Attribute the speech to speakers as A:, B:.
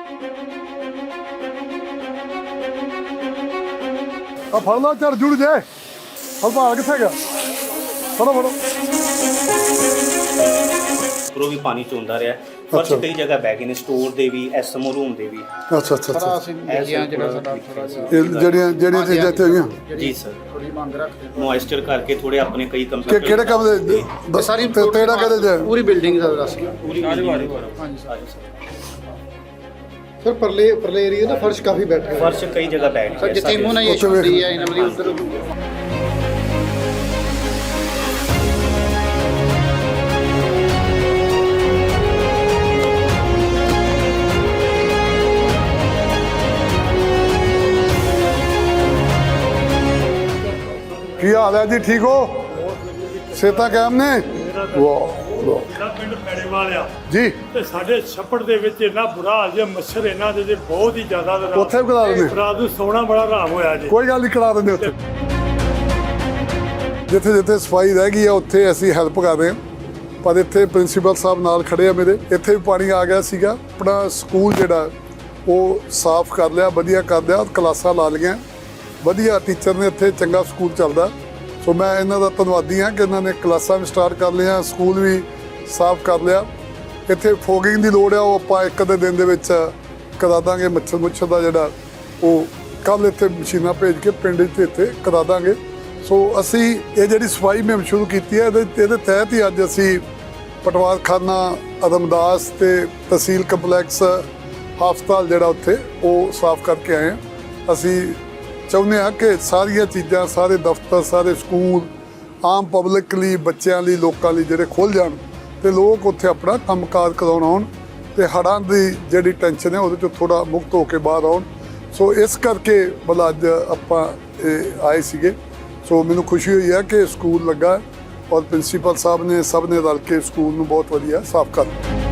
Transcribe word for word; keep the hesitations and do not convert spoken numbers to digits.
A: ਆ ਫੜ ਲਾ ਝੜ ਜੁੜ ਜਾਏ ਹਲਵਾਲ ਕਿੱਥੇ ਗਿਆ ਫੜੋ ਫੜੋ
B: ਉੱਪਰੋਂ ਵੀ ਪਾਣੀ ਚੋਂਦਾ ਰਿਹਾ ਫਰਸ਼ ਕਈ ਜਗ੍ਹਾ ਬਹਿ ਗਏ ਨੇ ਸਟੋਰ ਦੇ ਵੀ ਐਸਐਮਓ ਰੂਮ ਦੇ ਵੀ
A: ਅੱਛਾ ਅੱਛਾ ਅੱਛਾ
B: ਇਹ
A: ਇਹ ਜਿਹੜੀਆਂ ਜਿਹੜੀਆਂ ਚੀਜ਼ਾਂ ਇੱਥੇ ਹੋਈਆਂ
B: ਜੀ ਸਰ
C: ਥੋੜੀ ਮੰਗ ਰੱਖਦੇ
B: ਮੋਇਸਚਰ ਕਰਕੇ ਥੋੜੇ ਆਪਣੇ ਕਈ
A: ਕਿ
B: ਕੰਪਿਊਟਰ
A: ਕਿਹੜੇ ਕੰਮ ਦੇ
C: ਸਾਰੀ
A: ਤੇੜਾ ਕਦੇ ਜਾਏ
C: ਪੂਰੀ ਬਿਲਡਿੰਗ ਦਾ ਦੱਸ
B: ਪੂਰੀ ਹਾਂਜੀ ਸਰ
C: ਸਰ ਪਰਲੇ ਪਰਲੇ ਏਰੀਆ ਦਾ ਫਰਸ਼ ਕਾਫੀ ਬੈਠ ਗਿਆ
B: ਫਰਸ਼ ਕਈ ਜਗ੍ਹਾ ਬੈਠ
C: ਸਰ
B: ਗਿਆ
C: ਜਿੱਥੇ
B: ਸਾਡੇ।
C: ਇਮੋਨਾਈਜੇਸ਼ਨ ਹੁੰਦੀ ਹੈ ਇਹਨਾਂ ਵਾਲੀ ਉਧਰ
A: ਕੀ ਹਾਲ ਹੈ ਜੀ ਠੀਕ ਹੋ ਸੇਤਾ ਕਾਇਮ ਨੇ ਵਾਹ ਵਾਹ
D: ਮੇਰਾ ਪਿੰਡ ਪੈੜੇਵਾਲ ਆ
A: ਜੀ
D: ਤੇ ਸਾਡੇ ਛੱਪੜ ਦੇ ਵਿੱਚ ਇੰਨਾ ਬੁਰਾ ਹਾਲ ਜੇ ਮੱਛਰ ਇਹਨਾਂ ਦੇ ਤੇ ਬਹੁਤ ਹੀ ਜ਼ਿਆਦਾ
A: ਉੱਥੇ ਵੀ ਕਰਾ ਦਿੰਦੇ
D: ਰਾਤ ਨੂੰ ਸੌਣਾ ਬੜਾ ਆਰਾਮ ਹੋਇਆ ਜੀ
A: ਕੋਈ ਗੱਲ ਨਹੀਂ ਕਰਾ ਦਿੰਦੇ ਉੱਥੇ ਜਿੱਥੇ ਜਿੱਥੇ ਸਫਾਈ ਰਹਿ ਗਈ ਆ ਉੱਥੇ ਅਸੀਂ ਹੈਲਪ ਕਰ ਰਹੇ ਹਾਂ ਪਰ ਇੱਥੇ ਪ੍ਰਿੰਸੀਪਲ ਸਾਹਿਬ ਨਾਲ ਖੜੇ ਆ ਮੇਰੇ ਇੱਥੇ ਵੀ ਪਾਣੀ ਆ ਗਿਆ ਸੀਗਾ ਆਪਣਾ ਸਕੂਲ ਜਿਹੜਾ ਉਹ ਸਾਫ਼ ਕਰ ਲਿਆ ਵਧੀਆ ਕਰ ਲਿਆ ਕਲਾਸਾਂ ਲਾ ਲਈਆਂ ਵਧੀਆ ਟੀਚਰ ਨੇ ਇੱਥੇ ਚੰਗਾ ਸਕੂਲ ਚੱਲਦਾ ਸੋ ਮੈਂ ਇਹਨਾਂ ਦਾ ਧੰਨਵਾਦੀ ਹਾਂ ਕਿ ਇਹਨਾਂ ਨੇ ਕਲਾਸਾਂ ਵੀ ਸਟਾਰਟ ਕਰ ਲਈਆਂ ਸਕੂਲ ਵੀ ਸਾਫ਼ ਕਰ ਲਿਆ ਇੱਥੇ ਫੋਗਿੰਗ ਦੀ ਲੋੜ ਆ ਉਹ ਆਪਾਂ ਇੱਕ ਅੱਧੇ ਦਿਨ ਦੇ ਵਿੱਚ ਕਰਾ ਦਾਂਗੇ ਮੱਛਰ ਮੁੱਛਰ ਦਾ ਜਿਹੜਾ ਉਹ ਕੱਲ ਇੱਥੇ ਮਸ਼ੀਨਾਂ ਭੇਜ ਕੇ ਪਿੰਡ 'ਚ ਇੱਥੇ ਕਰਾ ਦਾਂਗੇ ਸੋ ਅਸੀਂ ਇਹ ਜਿਹੜੀ ਸਫਾਈ ਮੁਹਿੰਮ ਸ਼ੁਰੂ ਕੀਤੀ ਹੈ ਇਹਦੇ ਇਹਦੇ ਤਹਿਤ ਹੀ ਅੱਜ ਅਸੀਂ ਪਟਵਾਰਖਾਨਾ ਅਦਮਦਾਸ ਤੇ ਤਹਿਸੀਲ ਕੰਪਲੈਕਸ ਹਸਪਤਾਲ ਜਿਹੜਾ ਉੱਥੇ ਉਹ ਸਾਫ਼ ਕਰਕੇ ਆਏ ਹਾਂ ਅਸੀਂ ਚਾਹੁੰਦੇ ਹਾਂ ਕਿ ਸਾਰੀਆਂ ਚੀਜ਼ਾਂ ਸਾਰੇ ਦਫ਼ਤਰ ਸਾਰੇ ਸਕੂਲ ਆਮ ਪਬਲਿਕ ਲਈ ਬੱਚਿਆਂ ਲਈ ਲੋਕਾਂ ਲਈ ਜਿਹੜੇ ਖੁੱਲ੍ਹ ਜਾਣ ਤੇ ਲੋਕ ਉੱਥੇ ਆਪਣਾ ਕੰਮਕਾਜ ਕਰਾਉਣ ਆਉਣ ਤੇ ਹੜ੍ਹਾਂ ਦੀ ਜਿਹੜੀ ਟੈਨਸ਼ਨ ਹੈ ਉਹਦੇ ਚੋਂ ਥੋੜਾ ਮੁਕਤ ਹੋ ਕੇ ਬਾਹਰ ਆਉਣ ਸੋ ਇਸ ਕਰਕੇ ਭਲਾ ਅੱਜ ਆਪਾਂ ਇਹ ਆਏ ਸੀਗੇ ਸੋ ਮੈਨੂੰ ਖੁਸ਼ੀ ਹੋਈ ਹੈ ਕਿ ਸਕੂਲ ਲੱਗਾ ਔਰ ਪ੍ਰਿੰਸੀਪਲ ਸਾਹਿਬ ਨੇ ਸਭ ਨੇ ਰਲ ਕੇ ਸਕੂਲ ਨੂੰ ਬਹੁਤ ਵਧੀਆ ਸਾਫ਼ ਕਰ ਦਿੱਤਾ